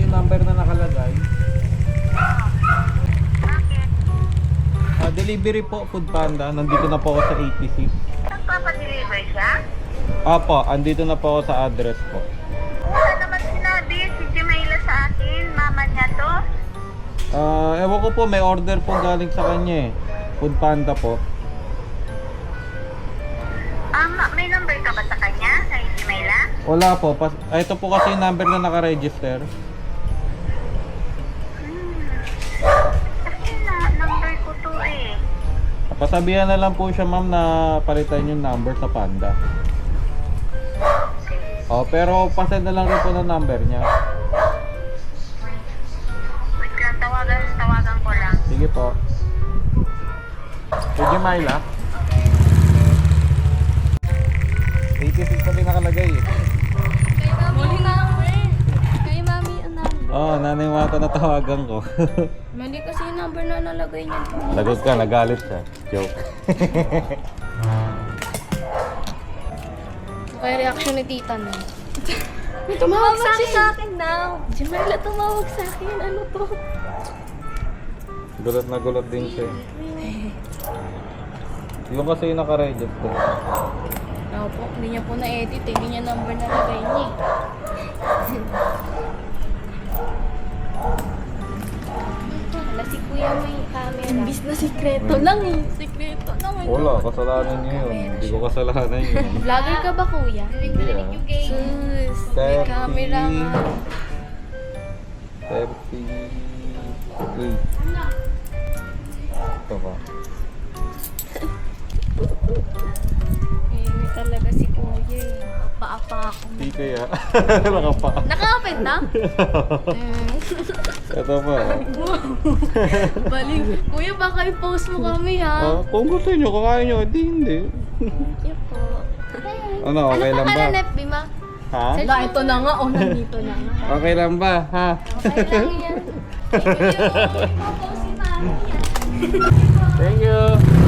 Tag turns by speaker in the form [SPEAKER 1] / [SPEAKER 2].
[SPEAKER 1] yung number na nakalagay. Delivery po, Food Panda. Nandito na po ako sa 86.
[SPEAKER 2] Nagpapadeliver siya?
[SPEAKER 1] Opo, andito na po ako sa address po.
[SPEAKER 2] Wala naman sinabi si Jamila sa akin. Mama niya to.
[SPEAKER 1] Ewan ko po, may order po galing sa kanya eh. Food Panda po.
[SPEAKER 2] May number ka ba sa kanya? Kay Jamila?
[SPEAKER 1] Wala po. Ito po kasi yung number na nakaregister.
[SPEAKER 2] Kasi number ko to eh.
[SPEAKER 1] Pasabihan na lang po siya ma'am na palitan yung number sa Panda. Oh, pero pasend na lang rin po ng number niya.
[SPEAKER 2] Wait lang, tawagan ko lang.
[SPEAKER 1] Sige po. Sige Myla. 86 pa din nakalagay eh.
[SPEAKER 3] Muli number. Kay mami ang number.
[SPEAKER 1] Oh, nanay Mata na tawagan ko.
[SPEAKER 3] Mali kasi yung number na nalagay niya.
[SPEAKER 1] Lagot ka, nagalit siya. Joke.
[SPEAKER 3] Kaya reaction ni tita na. May tumawag sa akin now. Jamila, tumawag sa akin. Ano to?
[SPEAKER 1] Gulat na gulat din siya. Yung kasi yung nakaregister.
[SPEAKER 3] Ako po, hindi niya po na-edit eh. Hindi niya number nalagay niya eh. Wala si kuya may camera. Imbis na sikreto lang eh. Sikreto lang eh.
[SPEAKER 1] Wala, kasalanan niya yun. Hindi ko kasalanan yun.
[SPEAKER 3] Vlogger ka ba kuya?
[SPEAKER 1] Hindi ah.
[SPEAKER 3] Sus, may camera nga.
[SPEAKER 1] 38. Ito ba?
[SPEAKER 3] Eh, talaga si kuya eh. Apa-apa ako.
[SPEAKER 1] Hindi kaya. Nakapa.
[SPEAKER 3] Naka-open na?
[SPEAKER 1] Ito pa.
[SPEAKER 3] Baliw. Kuya, baka i-post mo kami ha.
[SPEAKER 1] Kung gusto nyo, kakain nyo, hindi.
[SPEAKER 3] Thank you po.
[SPEAKER 1] Ano, okay lang ba?
[SPEAKER 3] Ano pangalan, FB ma?
[SPEAKER 1] Ha?
[SPEAKER 3] Wala, ito na nga. O, nandito na nga.
[SPEAKER 1] Okay lang ba? Ha?
[SPEAKER 3] Okay lang yan. Thank you. I-post si mami yan.
[SPEAKER 1] Thank you.